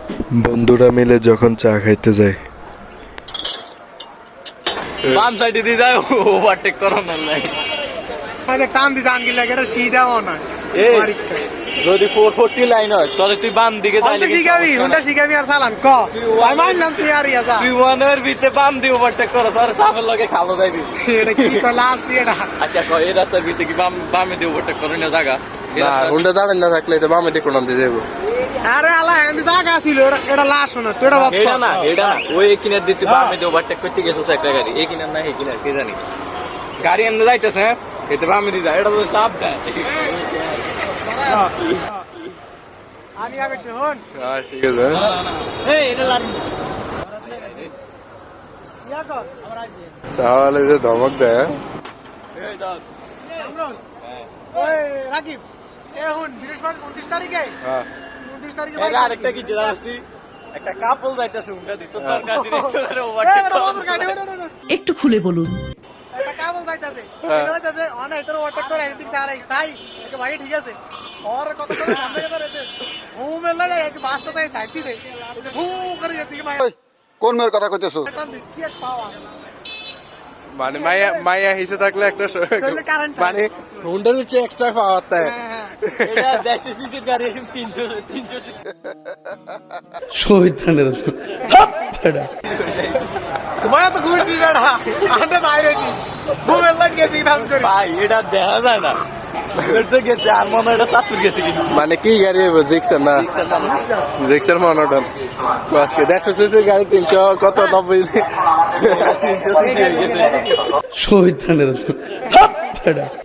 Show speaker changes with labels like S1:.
S1: বন্ধুরা মিলে যখন চা খাইতে যায়।
S2: বাম সাইডে দিয়ে যায় ওভারটেক করো না নাই
S3: টান দিছে আনকি লাগে এটা সিধাও না।
S2: এই যদি 440 লাইন হয় তাহলে তুই বাম দিকে যাইলে
S3: হুন্ডা শিখাবি আর চালান ক আমি মানলাম তুই আর ইয়া যা
S2: তুই ওয়ানের ভিতরে বাম দিয়ে ওভারটেক করো তাহলে সাফের লগে খাবো যাইবি।
S3: এটা কি কলাস দিয়ে এটা
S2: আচ্ছা কই এই রাস্তার ভিতরে কি বামে দিয়ে ওভারটেক করে না জায়গা
S4: হুন্ডা দাঁড়ান না থাকলে তো বামে দিয়ে কোন দিয়ে যাবো।
S3: আরে আলা এন্ড জায়গা ছিল এটা লাশ না তুই এটা
S2: এটা না ওই কিনার দিতে বামে দিয়ে ওভারটেক করতে গেছস একটা গাড়ি এই কিনার না এই কিনার কে জানি গাড়ি এমনি যাইতেছে হ্যাঁ এতে বামে দিয়ে যায় এটা তো চাপ দেয়।
S3: আমি আগে শোন
S4: হ্যাঁ ঠিক আছে।
S3: এই এটা লাড়ি ইয়া কর
S4: সাওয়ালে যে ধমক দেয়।
S2: এই দাও
S3: ওই রাকিব এখন বৃহস্পতি 29 তারিখে
S4: হ্যাঁ
S3: 29 তারিখে
S2: এটা আরেকটা কি জানাসি একটা কাপল যাইতেছে উনটা দিত দরকার দিনে চলে ওভারটেক
S5: একটু খুলে বলুন।
S3: একটা কাবল যাইতাছে এটা যাইতাছে অনেক তোর ওভারটেক করে এদিক সারা তাই একটা ভাই ঠিক আছে और কত করে সামনে কথা রেতে ঘুম এলে না এক বাসটা তাই সাইড দিতে ঘুম করে যেতে ভাই
S6: কোন মেয়ের কথা কইতেছো?
S3: কি এক পাওয়া
S4: মানে মাইয়া হিসে থাকলে একটা মানে হুন্ডার হচ্ছে এক্সট্রা পাওয়ার তাই।
S3: হ্যাঁ
S2: এটা 100 সিসির গাড়ি 300
S5: শহীদানের
S3: তোমার তো ঘুরছি বেড়া আন্তে বাইরে কি ঘুম এলে গেছি দাম করে
S2: ভাই এটা দেখা যায় না এটা গেছে আর মনে হয় এটা চাতুর গেছে কিন্তু
S4: মানে কি গাড়ি হবে জিক্সার না জিক্সার মনোটন আজকে 150 সিসির গাড়ি 300 কত 90
S2: 300 সিসি হয়ে গেছে
S5: শহীদানের